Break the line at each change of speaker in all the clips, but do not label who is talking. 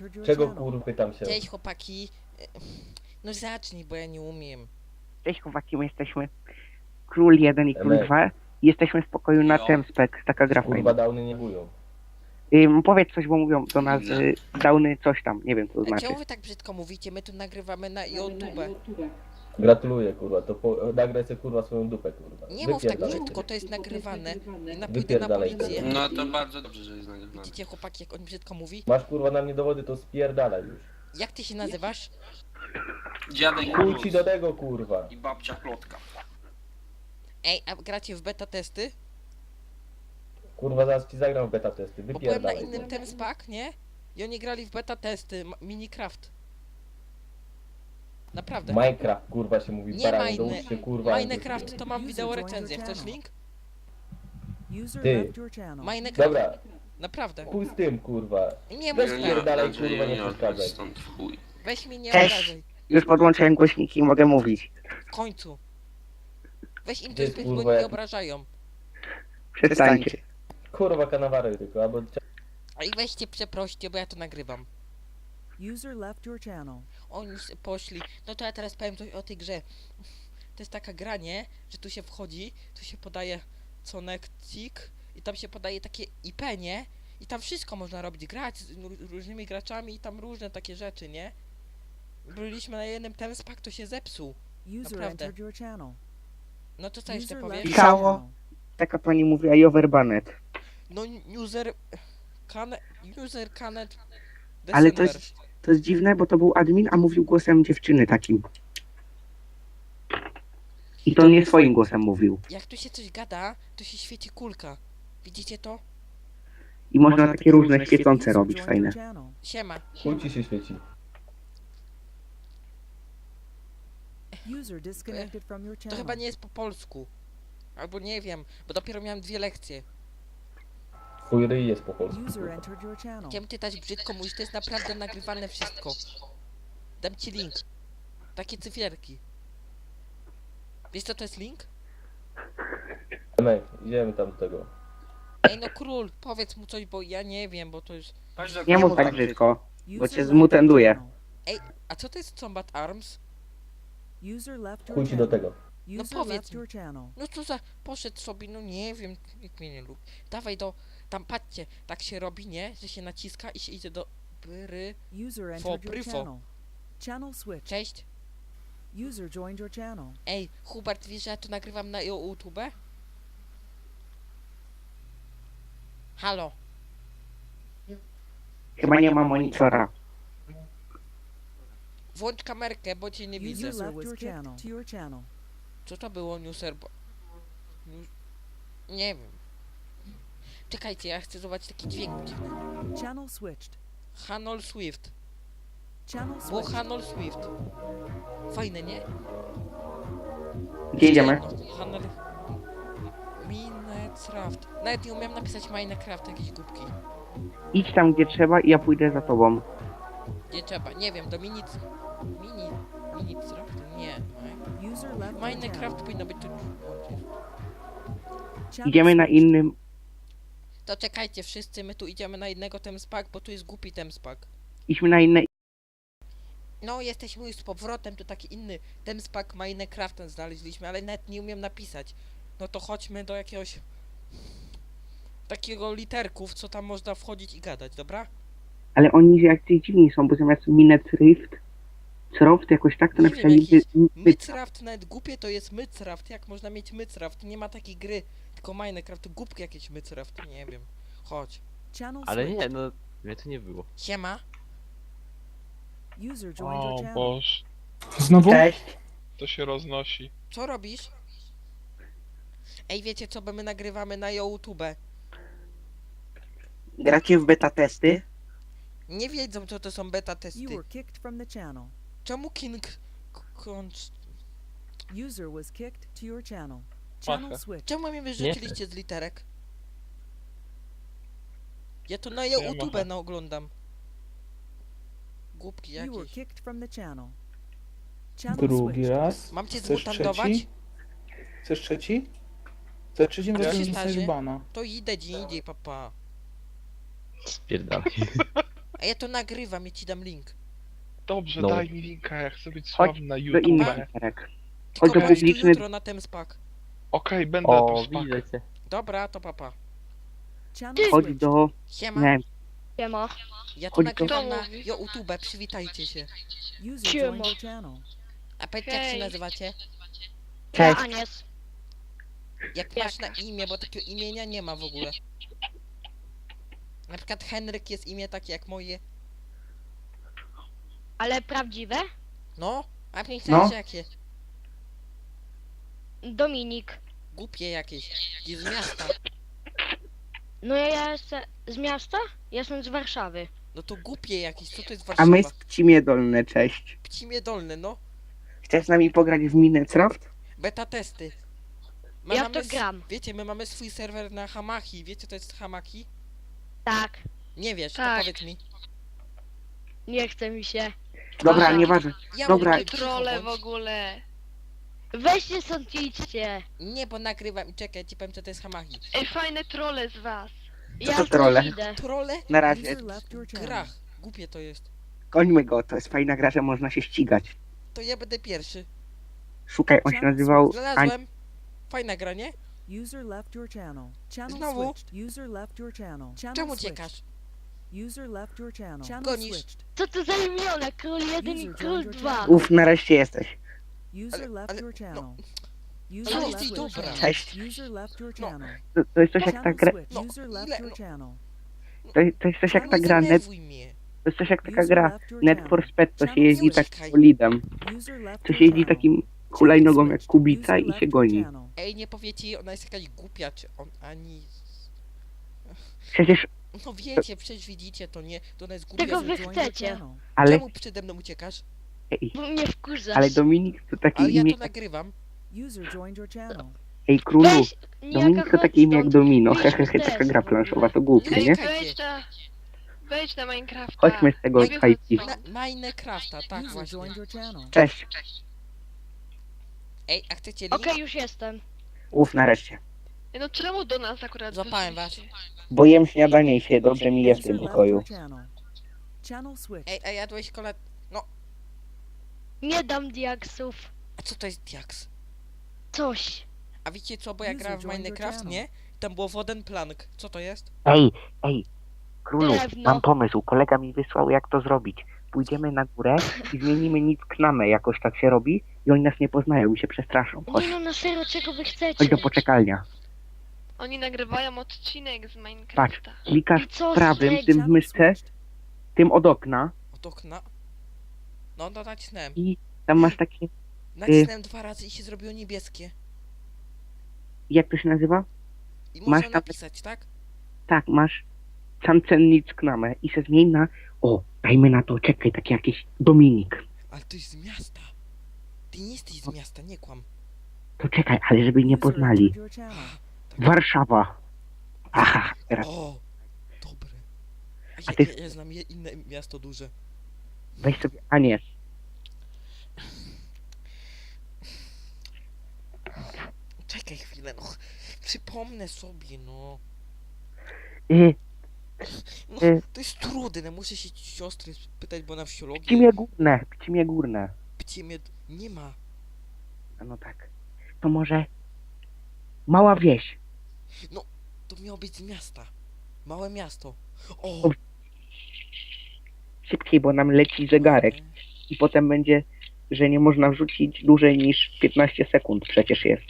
Czego kurwa pytam się?
Cześć chłopaki. No zacznij, bo ja nie umiem.
Cześć chłopaki, my jesteśmy Król 1 i Król 2. Jesteśmy w pokoju na Temspec, taka gra
Kurwa
fajna.
downy nie bują.
Powiedz coś, bo mówią do nas downy coś tam, nie wiem co to
A
znaczy.
czemu wy tak brzydko mówicie? My tu nagrywamy na YouTube.
Gratuluję kurwa, to nagraj sobie kurwa swoją dupę kurwa.
Nie mów tak
Wypierdalaj.
brzydko, to jest nagrywane. I pójdę na
Wypierdalaj
policję.
tego.
No to bardzo dobrze, że jest nagrywane.
Widzicie chłopaki, jak on brzydko mówi?
Masz kurwa na mnie dowody, to spierdalaj już.
Jak ty się nazywasz?
Dziadek
Chuj ci
Plus
do tego kurwa.
i babcia Plotka.
Ej, a gracie w beta testy?
Kurwa zaraz ci zagram w beta testy,
Bo byłem na
wypierdalaj.
innym Temspak, nie? I oni grali w beta testy, Minecraft. Naprawdę.
Minecraft kurwa się mówi,
Nie
baranie,
Mine-
douczcie kurwa.
Minecraft to mam wideo recenzję, chcesz link?
Ty.
Minecraft,
Dobra,
naprawdę.
chuj z tym kurwa.
Nie
Weź
mów tak,
pierdalaj, kurwa, nie przeszkadzaj.
Stąd w chuj.
weź mnie nie
Cześć.
obrażaj.
Już podłączyłem głośniki i mogę mówić.
W końcu. Weź im
Gdzie
coś
jest,
powiedz, bo
kurwa,
nie
jak-
obrażają.
Przestańcie.
Kurwa kanawary tylko, albo...
A i weźcie przeproście, bo ja to nagrywam.
User left your channel.
Oni poszli. No to ja teraz powiem coś o tej grze. To jest taka gra, nie? Że tu się wchodzi, tu się podaje Conectik i tam się podaje takie IP, nie? I tam wszystko można robić, grać z różnymi graczami i tam różne takie rzeczy, nie? Byliśmy na jednym Temspak, to się zepsuł.
User
Naprawdę.
entered your channel.
No to co jeszcze
User
powiesz?
left your
Pisało.
channel.
Taka pani mówiła i overbanet.
No user... User canet...
Ale to
December.
to jest dziwne, bo to był admin, a mówił głosem dziewczyny takim. I to nie swoim głosem mówił.
Jak tu się coś gada, to się świeci kulka. Widzicie to?
I można takie różne świecące
User
robić,
joined your
fajne.
channel.
Siema.
Chuj ci się świeci.
User disconnected from your
To
channel.
chyba nie jest po polsku. Albo nie wiem, bo dopiero miałem 2 lekcje.
Twój ryj jest po polsku.
User
kurwa.
entered your channel.
Chciałem czytać brzydko, mówisz, to jest naprawdę nagrywane wszystko. Dam ci link. Takie cyfierki. Wiesz co to jest link?
Emek, idziemy tam do tego.
Ej no król, powiedz mu coś, bo ja nie wiem, bo to jest...
Chodź do
Nie mów
kurwa.
tak brzydko. Bo
User
cię
left
zmutenduje.
your channel.
A co to jest Combat Arms?
User left your
Chuj ci do
channel.
tego.
User
powiedz
left
mi.
your channel.
No co za... Poszedł sobie, no nie wiem, nikt mnie nie lubi. Dawaj do... Tam patrzcie, tak się robi, nie? Że się naciska i się idzie do... Bry...
User entered your
pryfo.
channel. Channel switch.
Cześć.
User joined your channel.
Ej, Hubert, wiesz, że ja to nagrywam na YouTube? Halo.
Chyba nie ma monitora.
Włącz kamerkę, bo cię nie widzę.
User left your channel. To your channel.
Co to było, Newser? Nie wiem. Czekajcie, ja chcę zobaczyć taki dźwięk dziwny.
Channel switched.
Hanol Swift.
Channel
Było
switched.
Hanol Swift. Fajne, nie?
Gdzie idziemy?
Hanol... Minecraft. Nawet nie umiem napisać Minecraft, jakieś głupki.
Idź tam gdzie trzeba i ja pójdę za tobą.
Gdzie trzeba? Nie wiem, do Minecraft? Nie.
User left your
Minecraft
channel.
powinno być tu...
Channel
Idziemy na
switched.
innym.
To czekajcie wszyscy, my tu idziemy na jednego Temspak, bo tu jest głupi Temspak.
Idźmy na inne.
No, jesteśmy już z powrotem, tu taki inny Temspak Minecraftem znaleźliśmy, ale nawet nie umiem napisać. No to chodźmy do jakiegoś... takiego literków, co tam można wchodzić i gadać, dobra?
Ale oni jacyś dziwni są, bo zamiast Minet Rift, Croft jakoś tak to
Nie
napisali.
wiem, Mycraft, nawet głupie to jest Mycraft, jak można mieć Mycraft? Nie ma takiej gry, tylko Minecraft, głupki jakieś Mycraft, nie wiem. Chodź.
Channel
Ale
switched.
nie, no mnie to nie było.
Siema.
User joined your
O
channel.
Boż. Znowu?
Cześć.
To się roznosi.
Co robisz? Ej, wiecie co, bo my nagrywamy na YouTube.
Gracie w beta testy?
Nie wiedzą, co to są beta testy.
You were kicked from the channel.
Czemu King...
User was kicked to your channel. Channel
Machę.
switched.
Czemu mnie wyrzuciliście z literek? Ja to na
Ja
YouTube
machę.
no oglądam. Głupki
You were
jakieś.
kicked from the channel. Channel
Drugi
switched.
raz.
Mam cię
Chcesz
zmutandować?
trzeci? Chcesz trzeci? Za trzecim
A co się
razem
starzy?
dostaniesz bana.
To idę gdzie indziej, papa.
Spierdalaj.
A ja to nagrywam, ja ci dam link.
Dobrze,
No.
daj mi linka, ja chcę być
Chodź
sławny na
do
YouTube.
innych
Okej,
literek.
Tylko
Chodź do
bądź tu
publiczny-
jutro na Temspak.
będę tu
O,
spak.
widzę cię.
Dobra, to papa.
Channel
Chodź
switched.
do...
Siema.
Nie wiem,
Siema.
Ja to
chodź do-
nagrywam
Kto
na
mówi?
YouTube, przywitajcie się.
User
Siema.
joined your channel.
A powiedzcie jak się
Hej.
nazywacie?
Ja
Cześć.
Anies.
Jak masz na imię, bo takiego imienia nie ma w ogóle. Na przykład Henryk jest imię takie jak moje.
Ale prawdziwe?
No, a nie
No.
chcesz jakie?
Dominik.
Głupie jakieś. Gdzie z miasta.
No ja jestem z miasta? Ja jestem z Warszawy.
No to głupie jakieś, co to jest
A
Warszawa?
my z Pcimie Dolne, cześć.
Pcimie Dolne, no.
Chcesz z nami pograć w Minecraft?
Beta testy.
Ja w to gram.
Wiecie, my mamy swój serwer na Hamaki. Wiecie co jest Hamaki?
Tak.
Nie wiesz,
Tak.
to powiedz mi.
Nie chce mi się.
Dobra,
Aha.
nieważne.
Ja
Dobra.
mówię, cicho
Trole w
bądź.
ogóle.
Weźcie stąd idźcie.
Nie, bo nagrywam i czekaj, ci powiem co to jest Hamaki.
Ej, fajne trole z was.
Ja
to
już
trole?
idę.
Trole
Na razie.
User left your
w
channel.
grach. Głupie to jest.
Końmy go, to jest fajna gra, że można się ścigać.
To ja będę pierwszy.
Szukaj, on się nazywał...
Znalazłem. Fajna gra, nie?
User left your channel. Channel
Znowu?
switched. User left your channel. Channel
Czemu
switched.
uciekasz?
User left your channel. Channel
Gonisz.
switched.
Co to za imiona? Król 1 i
User
król
joined your
2.
channel.
Uf, nareszcie jesteś.
User left
ale-
your channel.
Ale
User
jesteś
left your
dobra.
channel.
Cześć.
User left your
No.
channel.
To jest coś jak ta
Channel
gra...
switched.
No,
User left
ile-
your
no.
channel.
To jest coś jak ta
Nie
gra net...
denerwuj mnie.
To jest coś jak taka
User
gra
left your
Net
channel.
for Speed, to się
Channel
jeździ
switched.
tak bolidem.
User left
To
your
się jeździ
channel.
takim hulajnogą jak Kubica
User
i
left
się
your
goni.
channel.
Ej, nie powiecie, ona jest jakaś głupia, czy on ani...
Przecież...
No wiecie, przecież widzicie, to nie, to ona jest głupia.
Czego
z-
wy
User joined your
chcecie?
channel.
Ale...
Czemu przede mną uciekasz?
Ej,
Bo mnie wkurzasz.
ale Dominik to takie
Ale ja
imię...
to nagrywam.
User joined your channel.
Ej, królu,
Weź,
Dominik to
chodź
takie imię jak
stąd.
Domino.
Wyjdźmy
Hehehe,
z
taka
TS
gra
w ogóle.
planszowa, to głupie,
Ej,
nie?
czekajcie.
Wejdź na Minecrafta.
Chodźmy z tego
Wychodź
IP.
stąd.
Minecrafta, tak
User
właśnie.
joined your channel.
Cześć.
Ej, a chcecie link?
Okej, już jestem.
Uf, nareszcie.
Ej, no czemu do nas akurat
Złapałem
weszliście?
Bo jem śniadanie i się dobrze mi je w
User
tym
left
pokoju.
your channel. Channel switched.
Ej, a jadłeś kola...
Nie dam diaksów.
A co to jest diaks?
Coś.
A wiecie co, bo ja
User
grałem w
joined your
Minecraft,
channel.
nie? Tam było Wodenplank. Co to jest?
Ej, królu,
Drewno.
mam pomysł. Kolega mi wysłał, jak to zrobić. Pójdziemy na górę i zmienimy nic knamę, jakoś tak się robi i oni nas nie poznają i się przestraszą. Chodź,
Nie no, na serio, czego wy chcecie?
chodź do poczekalnia.
Oni nagrywają odcinek z
Patrz,
Minecrafta.
klikasz
I co z
prawym
tego?
tym w
Channel
myszce,
switched.
tym od okna
Od okna? No, to nacisnąłem.
i tam masz takie,
Nacisnąłem 2 razy i się zrobiło niebieskie.
jak to się nazywa?
I
Masz
można
tam-
napisać, tak?
Tak, masz Cancennic knamę i se zmień na, o, dajmy na to, czekaj, taki jakiś Dominik.
Ale to jest z miasta. Ty nie jesteś z miasta, nie kłam.
To czekaj, ale żeby nie
User
poznali.
entered your channel.
Warszawa. Aha, teraz
O, dobre. A
A
ja,
ty-
ja znam inne miasto duże.
weź sobie Anies.
Czekaj chwilę, no. Przypomnę sobie, no.
Y,
No,
Y.
to jest trudne, muszę się siostry spytać, bo na wsiologii...
Pcimie górne.
Pcimie... Nie ma.
A no tak. To może mała wieś.
To miało być z miasta. Małe miasto. O!
Dobrze. Szybciej, bo nam leci zegarek i potem będzie, że nie można wrzucić dłużej niż 15 sekund przecież jest.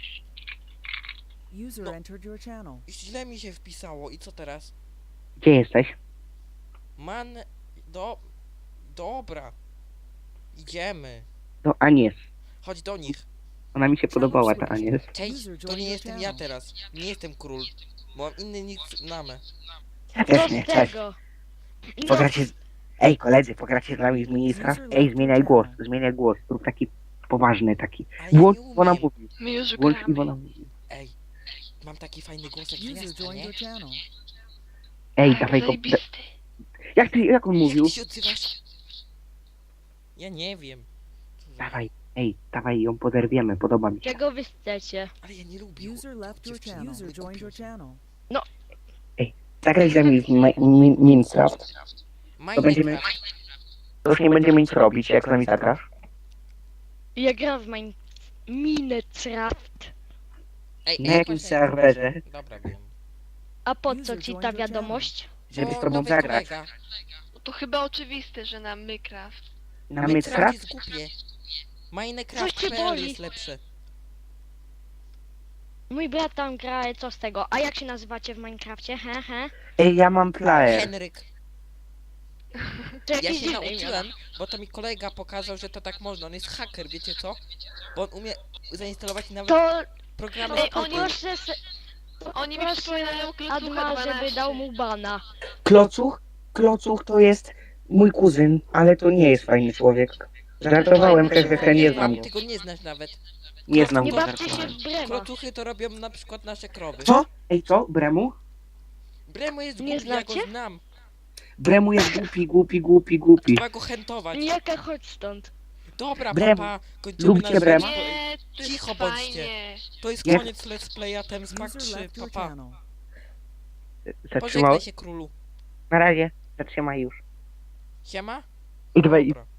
User
No.
entered your channel.
Źle mi się wpisało i co teraz?
Gdzie jesteś?
Man... Dobra. Idziemy.
Do Anies.
Chodź do nich.
Ona mi się podobała, ta Anies.
Cześć,
User
to
joined
nie
your
jestem ja
channel.
teraz. Nie jestem król. Bo mam inny nick namę.
Ja
Co
też
z
nie, cześć.
tego? No,
Pogracie z... Ej, koledzy, pogracie z nami z Minecraft? Ej, zmieniaj głos. Rób taki poważny, taki.
Ale ja
Włącz,
nie
Iwona
umiem.
mówi.
My już
Włącz,
gramy.
Iwona mówi.
Ej, mam taki fajny głos jak z
User
miasta,
joined
nie?
your channel.
Ej,
Tak,
dawaj go...
zajebisty.
Jak on mówił?
Jak ty się odzywasz? Ja nie wiem. Co za-
Dawaj, ej, ją poderwiemy, podoba mi się.
czego wy chcecie?
Ale ja nie lubię.
User left your
dziewczyny,
channel. User
wykupią
joined your
się.
channel.
Zagraj z nami w Minecraft. To będziemy... To już nie będziemy nic robić, jak z nami zagrasz.
Ja gram w Minecraft.
Ej,
Na jakimś serwerze,
Dobra, wiem.
A po co ci ta wiadomość?
żeby z
O,
tobą
nowy
zagrać.
kolega.
No to chyba oczywiste, że na Minecraft.
Na
Minecraft
Minecraft?
jest głupie.
Coś cię
Minecraft.pl
boli.
jest lepszy.
Mój brat tam gra, co z tego? A jak się nazywacie w Minecrafcie? He?
Ej, ja mam player.
Henryk.
To
Ja
jakieś
się
dziwne imiona.
nauczyłem, bo to mi kolega pokazał, że to tak można. On jest haker, wiecie co? Bo on umie zainstalować nawet
To
programy
Ej,
z
oni-
Google.
proszę se...
Oni mi
proszę
przypominają Klocucha
Adma,
12.
żeby dał mu bana.
Klocuch? Klocuch to jest mój kuzyn, ale to nie jest fajny człowiek. Żartowałem, hehehe, nie znam go.
Ty go nie znasz nawet.
Nie znam
Nie
go,
bawcie się
żartowałem.
w Brema.
Klocuchy to robią na przykład nasze krowy.
Co? Ej, co? Bremu?
Bremu jest
Nie
głupi, ja go
znacie?
znam.
Bremu jest głupi.
Trzeba go chętować.
Jaka chodź stąd.
Dobra,
Bremu.
papa, kończymy
Lubcie
nasz
Brema?
live.
Nie, to jest
Cicho bądźcie.
fajnie.
To jest
Nie.
koniec Let's Playa Thames Pack
User
3,
left your
papa.
channel.
Zatrzymał?
Pożegnaj się, królu.
Na razie. Zatrzymaj już.
Siema?
I dawaj,
Dobra.